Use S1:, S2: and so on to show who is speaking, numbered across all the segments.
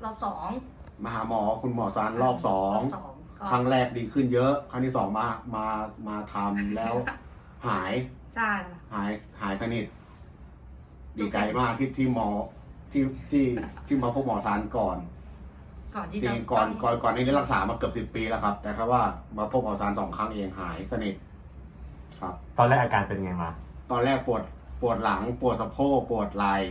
S1: รอบสอง
S2: มาหาหมอคุณหมอซานรอบสอง
S1: ก็
S2: ครั้งแรกดีขึ้นเยอะ ครั้งที่สองมาทำแล้ว หาย
S1: ใช่
S2: หายสนิท ดีใจมากที่หมอที่มาพบหมอซานก่อน
S1: ที่
S2: จริงก่อนนี้รักษามาเกือบ10 ปีแล้วครับ แต่แค่ว่ามาพบหมอซาน2 ครั้งเองหายสนิทครับ
S3: ตอนแรกอาการเป็นไงมา
S2: ตอนแรกปวดหลังปวดสะโพกปวดไหล่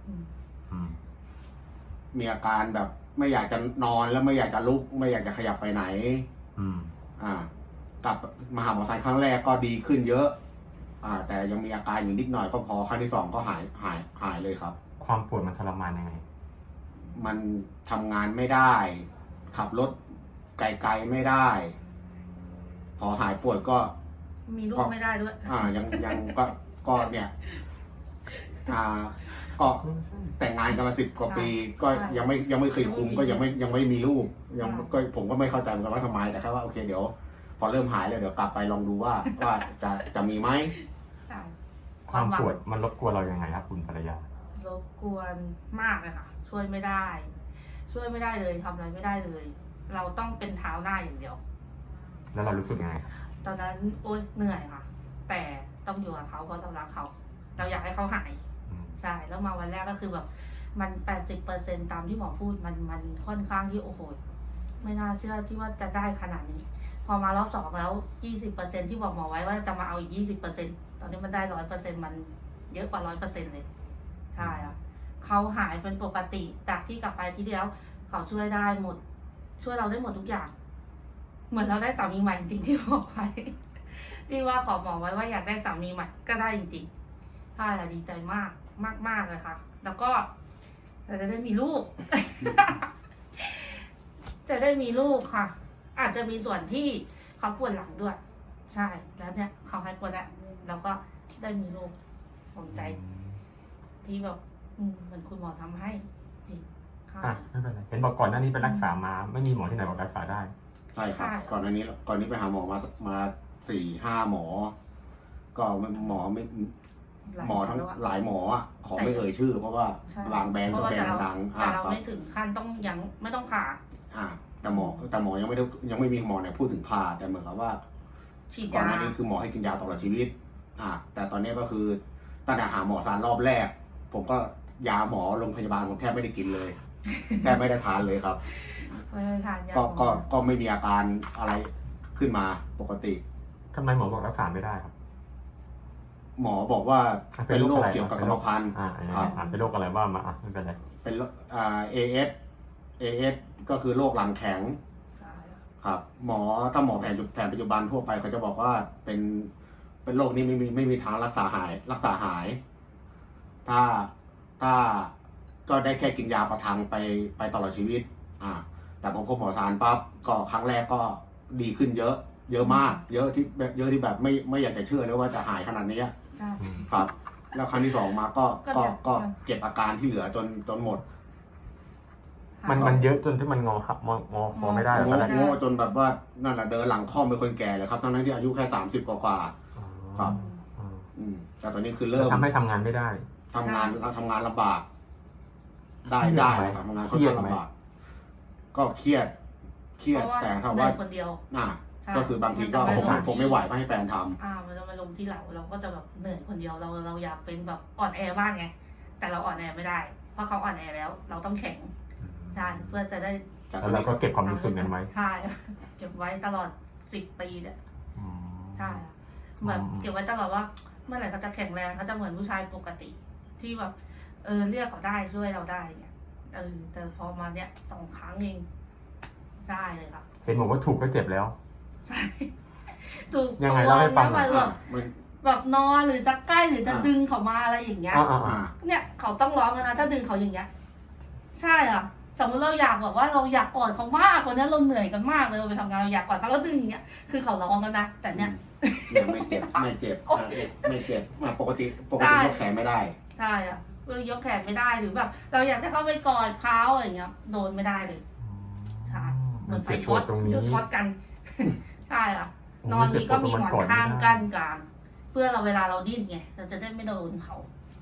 S2: มีอาการแบบไม่อยากจะนอนแล้วไม่อยากจะลุกไม่อยากจะขยับไปไหนกลับมาหาหมอซานครั้งแรกก็ดีขึ้นเยอะแต่ยังมีอาการอยู่นิดหน่อยก็พอครั้งที่2ก็หายเลยครับ
S3: ความปวดมันทรมานยังไง
S2: มันทำงานไม่ได้ ขับรถไกลๆไม่ได้ พอหายปวดก็
S1: มีลูกไม่ได้ด้วย
S2: ยังก็เนี่ยก็แต่งงานกันมา10 กว่าปี ก็ยังไม่เคยคุมก็ยังไม่มีลูกก็ผมก็ไม่เข้าใจเหมือนกันว่าทำไมแต่แค่ว่าโอเคเดี๋ยวพอเริ่มหายแล้วเดี๋ยวกลับไปลองดูว่าจะมีไหม
S3: ความปวดมันรบกวนเรายังไงครับคุณภรรยาร
S1: บกวนมากเลยค่ะช่วยไม่ได้เลยทำอะไรไม่ได้เลย เราต้องเป็นเท้าหน้าอย่างเดียว
S3: แล้วเรารู้สึกยังไง
S1: ตอนนั้นโอ๊ยเหนื่อยค่ะแต่ต้องอยู่กับเขาเพราะเรารักเขาเราอยากให้เขาหายใช่แล้วมาวันแรกก็คือแบบมัน80%ตามที่หมอพูดมันค่อนข้างที่โอ้โหไม่น่าเชื่อที่ว่าจะได้ขนาดนี้พอมารอบ2แล้ว20%ที่บอกหมอไว้ว่าจะมาเอาอีก20%ตอนนี้มันได้100%มันเยอะกว่า100%เลยใช่ค่ะเขาหายเป็นปกติจากที่กลับไปที่แล้วเขาช่วยได้หมดช่วยเราได้หมดทุกอย่างเหมือนเราได้สามีใหม่จริงๆที่บอกไว้ที่ว่าขอหมอไว้ว่าอยากได้สามีใหม่ก็ได้จริงๆใช่ค่ะดีใจมากเลยค่ะแล้วก็เราจะได้มีลูก จะได้มีลูกค่ะ อาจจะมีส่วนที่เขาปวดหลังด้วย ใช่แล้วเนี่ยเขาให้ปวดแล้วเราก็ได้มีลูกผมใจที่แบบเหมือนคุณหมอทำให้จริง
S3: ไม่เป็นไรเห็นบอกก่อนหน้านี้ไปรักษามาไม่มีหมอที่ไหนบอกรักษาได้
S2: ใช่ครับก่อนหน้านี้ไปหาหมอมา4-5 หมอก็หมอทั้งหลายหมอขอไม่เอ่ยชื่อเพราะว่าบางแบรนด์ก็แบรนด์ดัง
S1: แต่เราไม่ถึงขั้นต้องยังไม่ต้องผ่า
S2: แต่หมอยังไม่มีหมอไหนพูดถึงผ่าแต่เหมือนกับว่าก่อนหน้านี้คือหมอให้กินยาตลอดชีวิตแต่ตอนนี้ก็คือตั้งแต่หาหมอซานรอบแรกผมก็ยาหมอโรงพยาบาลผมแทบไม่ได้กินเลยแทบไม่ได้ทานเลยครับก็ไม่มีอาการอะไรขึ้นมาปกติ
S3: ทำไมหมอบอกรักษาไม่ได้ครับ
S2: หมอบอกว่าเป็นโรคเกี่ยวกับกรรมพันธุ์
S3: ครับเป็นโรคอะไรว่ามาไม่เป็นไร
S2: เป็นAS ก็คือโรคหลังแข็งครับถ้าหมอแผนปัจจุบันทั่วไปเขาจะบอกว่าเป็นโรคนี้ไม่มีทางรักษาหายถ้าก็ได้แค่กินยาประทังไปตลอดชีวิตแต่พอพบหมอซานปั๊บก็ครั้งแรกก็ดีขึ้นเยอะมากเยอะที่แบบไม่อยากจะเชื่อเลยว่าจะหายขนาดนี้ครับแล้วครั้งที่2มาก็เก็บอาการที่เหลือจนหมด
S3: มันเยอะจนที่มันงอคอไม่ได้
S2: งอจนแบบว่านั่นแหละเดินหลังค่อมเป็นคนแก่เลยครับทั้งที่อายุแค่30 กว่าครับแต่ตอนนี้คือเริ่ม
S3: ทำให้ทำงานไม่ได้
S2: ทำงานลำบากได้ทำงานค่อนข้างลำบากก็เครียดแต่ถ้าว่า
S1: คนเดียว
S2: ก็คือบางทีก็ผมไม่ไหวก็ให้แฟนท
S1: ำมันจะมาลงที่เราก็จะแบบเหนื่อยคนเดียวเราอยากเป็นแบบอ่อนแอบ้างไงแต่เราอ่อนแอไม่ได้เพราะเขาอ่อนแอแล้วเราต้องแข็งใช่เพื่อจะได้
S3: แล้วเราก็เก็บความรู้สึกนั้นไว้
S1: ใช่เก็บไว้ตลอด10 ปีเนี่ยใช่แบบเก็บไว้ตลอดว่าเมื่อไหร่เขาจะแข็งแรงเขาจะเหมือนผู้ชายปกติที่แบบเรียกเขาได้ช่วยเราได้เนี่ยแต่พอมาเนี่ย2 ครั้งเองได้เลยค่ะ
S3: เห็นบอกว่าถูกก็เจ็บแล้ว
S1: ใช่ถูก
S3: ยังไงเล่าให้ฟัง
S1: แบบนอนหรือจะใกล้หรือจะดึงเขามาอะไรอย่างเงี้ยเนี่ยเขาต้องร้องกันนะถ้าดึงเขาอย่างเงี้ยใช่อ่ะสมมติเราอยากแบบว่าเราอยากกอดเขามากกว่านี้เราเหนื่อยกันมากเลยเราไปทำงานเราอยากกอดเขาแล้วดึงอย่างเงี้ยคือเขาร้องกันนะแต่เนี่ย
S2: ไม่เจ็บปกติยกแขนไม่ได้
S1: ใช่อ่ะยกแขนไม่ได้หรือแบบเราอยากให้เขาไปกอดเขาอย่างเงี้ยโดนไม่ได้เลยใช่เหมือนไฟช็อตกันใช่อ่ะนอนนี้ก็มีหมอนข้างกั้นกลางเพื่อเราเวลาเราดิ้นไงเราจะได้ไม่โดนเขา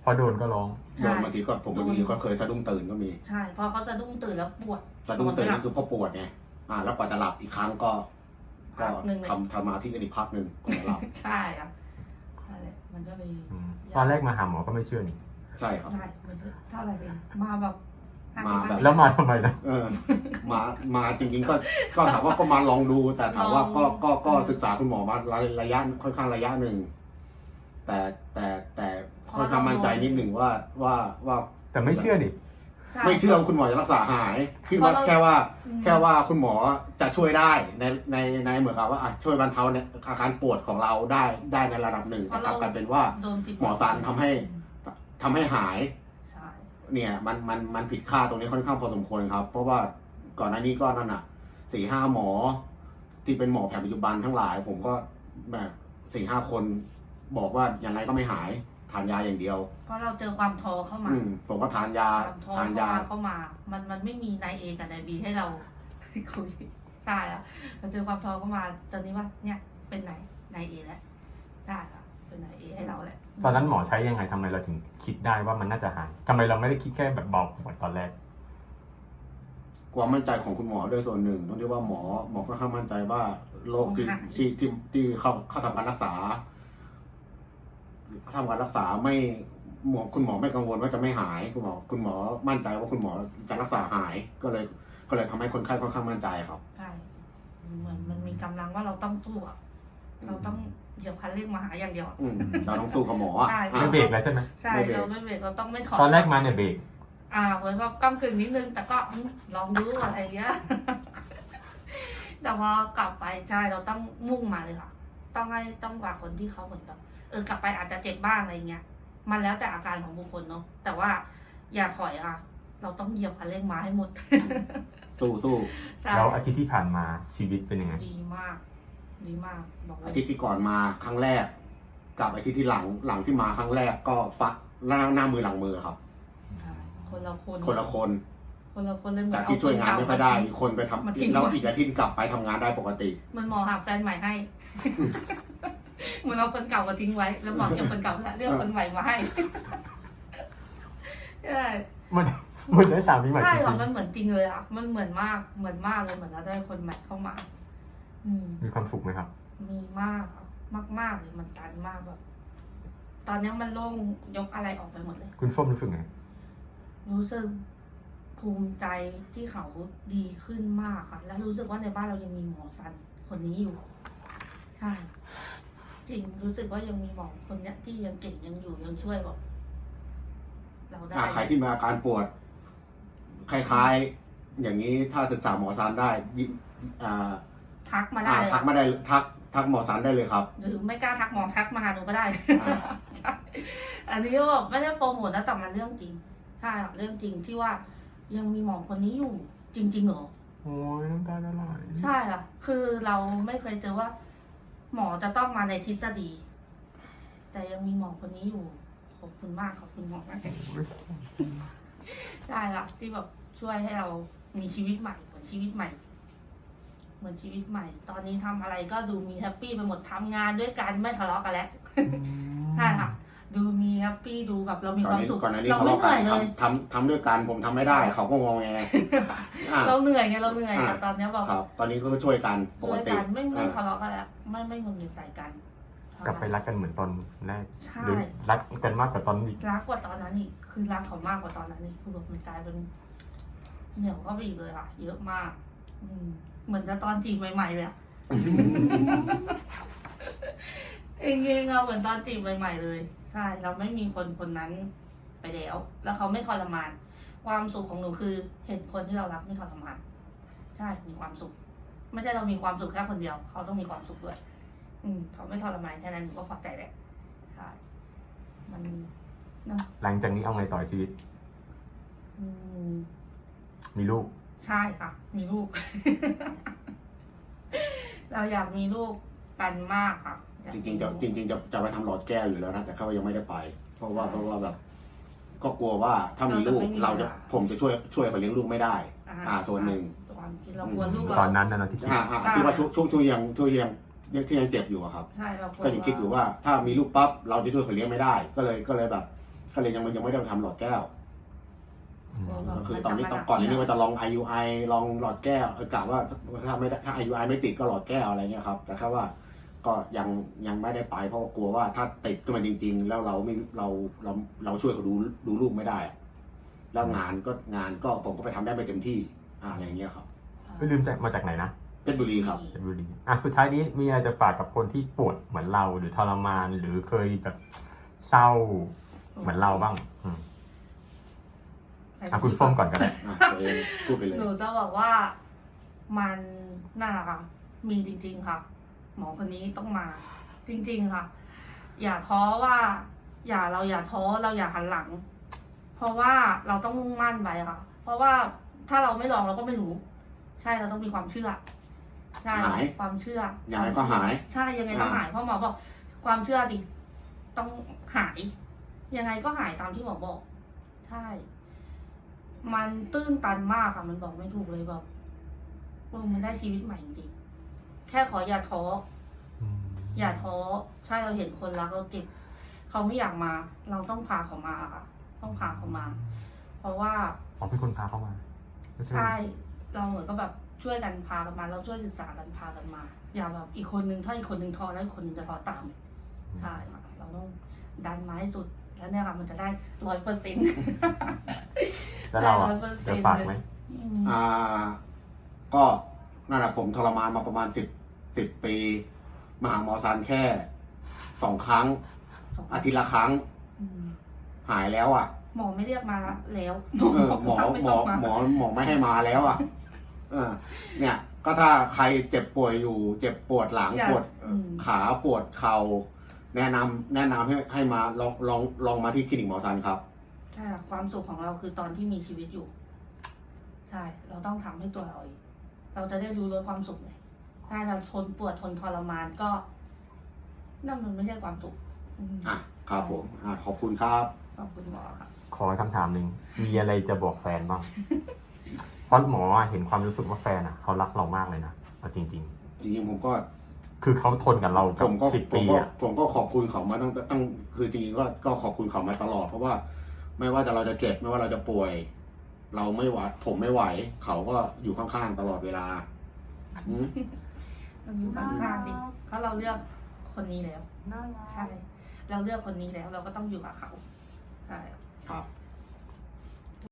S3: พอโดนก็ร้อง
S2: โดนบางทีก็ผมบางทีก็เคยสะดุ้งตื่นก็มี
S1: ใช่พอเขาสะดุ้งตื่นแล้วปวด
S2: สะดุ้งตื่นนี่คือพอปวดไงแล้วกว่าจะหลับอีกครั้งก็
S1: พักหนึ่งเลย
S2: ทำมาที่กันอีกพักหนึ่งก่อนจะหลับ
S1: ใช่อ่ะนั่นแหละมันก็เลย
S3: ตอนแรกมาหาหมอก็ไม่เชื่อนี่
S2: ใช่ครับ
S1: ได้มันจะเท่าไหร่เองมาแบบ50
S3: แล้วมาทำไมนะ
S2: มาจริงๆก็ถามว่าก็มาลองดู แต่ถามว่าก็ศึกษาคุณหมอมาระยะค่อนข้างระยะหนึ่งแต่ค่อนข้างมั่นใจนิดหนึ่งว่า
S3: แต่ไม่เชื่อดิ
S1: ใช่
S2: ไม่เชื่อว่าคุณหมอจะรักษาหายคิดว่าแค่ว่าคุณหมอจะช่วยได้ในเหมือนกับว่าช่วยบรรเทาในอาการปวดของเราได้ในระดับหนึ่งแต่กลับกลายเป็นว่า
S1: โดนผิด
S2: หมอสันทำให้หาย
S1: ใช่
S2: เนี่ยมันผิดค่าตรงนี้ค่อนข้างพอสมควรครับ เพราะว่าก่อนหน้านี้ก็นั่นอ่ะ 4-5 หมอ ที่เป็นหมอแผนปัจจุบันทั้งหลาย ผมก็แบบ4-5 คน บอกว่ายังไงก็ไม่หายทานยาอย่างเดียว
S1: เพราะเราเจอความท้อเข้ามา
S2: ผมก็ทานยา
S1: ความท้อ
S2: ทานยา
S1: เข้ามา มันไม่มีนายเอกับนายบีให้เรา คุยใช่อะเราเจอความท้อเข้ามาตอนนี้ว่าเนี่ยเป็นนายเอแล้วได้ค่ะเป็นนายเอให้เราแหละ
S3: ตอนนั้นหมอใช้ยังไงทำไมเราถึงคิดได้ว่ามันน่าจะหายทำไมเราไม่ได้คิดแค่แบบเบาปวดตอนแรก
S2: ความมั่นใจของคุณหมอด้วยส่วนหนึ่งต้องเรียกว่าหมอก็ค่อนข้างมั่นใจว่าโรคที่เข้าทำการรักษาไม่คุณหมอไม่กังวลว่าจะไม่หายคุณหมอมั่นใจว่าคุณหมอจะรักษาหายก็เลยทำให้คนไข้ค่อนข้างมั่นใจครับ
S1: ใช่เหมือนมันมีกำลังว่าเราต้องสู้อะเราต้องเหยียบคันเร่งมาหาอย่างเดียวอะ
S2: เราต้องสู้กับหมออ่ะ
S1: ใช่
S3: ไม่เบรกแล้วใช่ไหม
S1: ใช่เราไม่เบรกเราต้องไม่ถอย
S3: ตอนแรกมาเนี่ยเบรก
S1: เหมือนแบบก้ำกึ่งนิดนึงแต่ก็ลองดูอะไรเงี้ย แต่พอกลับไปใช่เราต้องมุ่งมาเลยค่ะ ต้องว่าคนที่เขาเหมือนแบบกลับไปอาจจะเจ็บบ้างอะไรเงี้ย มันแล้วแต่อาการของบุคคลเนาะแต่ว่าอย่าถอยค่ะ เราต้องเหยียบคันเร่งมาให้หมด
S2: สู้
S1: ใช่
S3: แล้วอาทิตย์ที่ผ่านมาชีวิตเป็นยังไง
S1: ดีมากบอกเล
S2: อาย ทิตย์ที่ก่อนมาครั้งแรก กับอาทิตย์ที่หลังที่มาครั้งแรกก็ฟักหน้ามือหลังมือครับ
S1: ใช่คนละคน
S2: คนละคน
S1: เลยเหมือน
S2: จากที่ช่วยงานไม่ค่อยได้
S1: เา
S2: อีกคนไป
S1: มาทิ้ง
S2: ทำแล้วอีกอาทิตย์กลับไปทำงานได้ปกติ
S1: มันหมอหาแฟนใหม่ให้ เหมือนเอาคนเก่ามาทิ้งไว้ แล้วหมอเก็บคนเก่าแล้วเลือกคนใหม่มาให้ ใช่
S3: มันได้สามีใหม่
S1: ใช่
S3: จริ
S1: ค่ะ
S3: ง
S1: มันเหมือนจริงเลยอ่ะ มันเหมือนมากเลยเหมือนเราได้คนใหม่เข้ามา
S3: ๆมีความสุขไหมครับ
S1: มีมากค่ะมากเลยมันตันมากแบบตอนนี้มันโล่งยกอะไรออกไปหมดเลย
S3: คุณส้มรู้สึกไง
S1: รู้สึกภูมิใจที่เขาดีขึ้นมากค่ะ แล้วรู้สึกว่าในบ้านเรายังมีหมอสันคนนี้อยู่ใช่จริงรู้สึกว่ายังมีหมอคนเนี้ยที่ยังเก่งยังอยู่ยังช่วยแบบเราได้
S2: ถ้าใครที่มีอาการปวด คล้ายๆ อย่างนี้ถ้าศึกษาหมอซานได้
S1: ทักมาได้เลย
S2: ทักมาได้ทักหมอซานได้เลยครับ
S1: หรือไม่กล้าทักหมอทักมาหาหนูก็ได้ ใช่อันนี้ก็แบบไม่ได้โปรโมทนะแต่มันเรื่องจริงใช่ค่ะเรื่องจริงที่ว่ายังมีหมอคนนี้อยู่ จริงๆเหรอ
S3: โอ้ยน้ำตาจะไหล
S1: ใช่ค่ะ คือเราไม่เคยเจอว่า หมอจะต้องมาในทฤษฎี แต่ยังมีหมอคนนี้อยู่ขอบคุณมากขอบคุณหมอมากใช่ค่ะที่แบบช่วยให้เรามีชีวิตใหม่เหมือนชีวิตใหม่ ตอนนี้ทำอะไรก็ดูมีแฮปปี้ไปหมดทำงานด้วยกันไม่ทะเลาะกันแล้วใช่ค่ะ ดูมีแฮปปี้ดูแบบเรามีความสุข
S2: ก่อนหน้านี้
S1: เรา
S2: เขา
S1: ไม่
S2: บอก
S1: เห
S2: กั
S1: นื่อย
S2: น
S1: เลย
S2: ทำด้วยกันผมทำไม่ได้ เขาก็งอแง
S1: เราเหนื่อยไงแต่ตอนนี้แบบ
S2: ครับ ตอนนี้ก็ช่วยกันป
S1: ช่
S2: ก
S1: วย
S2: ติ
S1: กันไม่ทะเลาะกันแล้วไม่งุนงิดใส่กัน
S3: กลับไปรักกันเหมือนตอนแรก
S1: ใช่
S3: หรือรักกันมากกว่าตอนนี้
S1: รักกว่าตอนนั้นอีกคือรักเขามากกว่าตอนนั้นอีกคือแบบมันกลายเป็นเหนียวเข้าไปอีกเลยค่ะ เยอะมาก เหมือนกับตอนจีบใหม่ๆเลยอะ เองเอาเหมือนตอนจีบใหม่ๆเลยใช่เราไม่มีคนนั้นไปแล้วเขาไม่ทรมาน ความสุขของหนูคือเห็นคนที่เรารักไม่ทรมานใช่มีความสุข ไม่ใช่เรามีความสุขแค่คนเดียวเขาต้องมีความสุขด้วย เขาไม่ทรมานแค่นั้นหนูก็พอใจแหละใช่มันนะ
S3: หลังจากนี้เอาไงต่อชีวิต มีลูก
S1: ใช่ค่ะ มีลูก เราอยากมีลูกกันมากค่ะ
S2: จริงๆจะไปทำหลอดแก้วอยู่แล้วนะแต่เขายังไม่ได้ไป เพราะว่าแบบ ก็กลัวว่าถ้ามีลูกผมจะช่วยเขาเลี้ยงลูกไม่ได้ ส่วนหนึ่ง
S1: ความคิดเรากลัวลูก
S3: ตอนนั้นนะที่คิด
S2: ที่ว่าช่วงที่ยังเจ็บอยู่อะครับ
S1: ใช่เรากลัว
S2: ก็ยังคิดอยู่ว่าถ้ามีลูกปั๊บเราจะช่วยเขาเลี้ยงไม่ได้ ก็เลยแบบก็เลยยังไม่ได้ทำหลอดแก้ว
S1: อืม
S2: ก็คือตอนนี้ก่อนนี้ว่าจะลอง IUI ลองหลอดแก้วกะว่าถ้า IUI ไม่ติดก็หลอดแก้วอะไรเงี้ยครับแต่แค่ว่าก็ยังไม่ได้ไปเพราะว่ากลัวว่าถ้าติดขึ้นมาจริง ๆ แล้วเราช่วยเขาดูลูกไม่ได้อะแล้วงานก็ผมก็ไปทำได้ไม่เต็มที่อะไรเงี้ยครับ
S3: ไม่ลืมมาจากไหนนะ
S2: เพชรบุรีครับ
S3: เพชรบุรีสุดท้ายนี้มีอะไรจะฝากกับคนที่ปวดเหมือนเราหรือทรมานหรือเคยแบบเศร้าเหมือนเราบ้างคุณส้มก่อนก็ได้
S2: ตัวเองพูดไปเลย
S1: หนูจะบอกว่ามันน่ารักค่ะ มีจริง ๆ ค่ะ หมอคนนี้ต้องมา จริง ๆ ค่ะ อย่าท้อว่า เราอย่าท้อเราอย่าหันหลัง เพราะว่าเราต้องมุ่งมั่นไปค่ะ เพราะว่าถ้าเราไม่ลองเราก็ไม่รู้ ใช่เราต้องมีความเชื่อ ใช่
S2: หาย
S1: ความเชื่อ
S2: ยังไงก็หาย
S1: ใช่ยังไงก็หายเพราะหมอบอกความเชื่อดิต้องหาย ยังไงก็หายตามที่หมอบอก ใช่ มันตื้นตันมากค่ะ มันบอกไม่ถูกเลยแบบมันได้ชีวิตใหม่จริงๆแค่ขออย่าท้อ อย่าท้อ ใช่เราเห็นคนรักเราเจ็บเขาไม่อยากมา เราต้องพาเขามาค่ะ ต้องพาเขามา เพราะว่า
S3: เป็นคนพาเข้ามา
S1: ใช่ เราเหมือนก็แบบช่วยกันพากันมา เราช่วยศึกษากันพากันมา อย่าแบบอีกคนนึงถ้าอีกคนนึงท้อแล้วอีกคนนึงจะท้อตาม ใช่ค่ะ เราต้องดันมาให้สุด แล้วเนี่ยค่ะมันจะได้100%
S3: แล้วเราจะฝากไหม
S2: ก็นั่นแหละผมทรมานมาประมาณ10 ปีมาหาหมอซันแค่2 ครั้ง อาทิตย์ละครั้ง หายแล้วอ่ะ
S1: หมอไม่เรียกมาแล้ว
S2: หมอไม่ให้มาแล้วอ่ะเนี่ย ก็ถ้าใครเจ็บป่วยอยู่ เจ็บปวดหลังปวดขาปวดเข่าแนะนำให้มาลองมาที่คลินิกหมอซันครับ
S1: ใช่ความสุขของเราคือตอนที่มีชีวิตอยู่ ใช่ เราต้องทำให้ตัวเราเองเราจะได้รู้รสความสุขเลยถ้าเราทนปวดทนทรมานก็นั่นมันไม่ใช่ความสุข
S2: ครับผมขอบคุณครับ
S1: ขอบคุณหมอค่ะ
S3: ขอคำถามหนึ่งมีอะไรจะบอกแฟนบ้าง เพราะหมอเห็นความรู้สึกว่าแฟนเขารักเรามากเลยนะเอาจริง
S2: จริงๆผมก็
S3: ๆ คือเขาทนกับเรากับ10 ปีอ่ะ
S2: ผมก็ขอบคุณเขามาตั้งคือจริงๆก็ขอบคุณเขามาตลอด เพราะว่าไม่ว่าเราจะเจ็บไม่ว่าเราจะป่วย เราไม่ไหวผมไม่ไหว เขาก็อยู่ข้างๆตลอดเวลา
S1: เราอยู่ข้างๆดิเพราะเราเลือกคนนี้แล้ว ใช่ เราเลือกคนนี้แล้ว เราก็ต้องอยู่กับเขา ใช่
S2: ครับ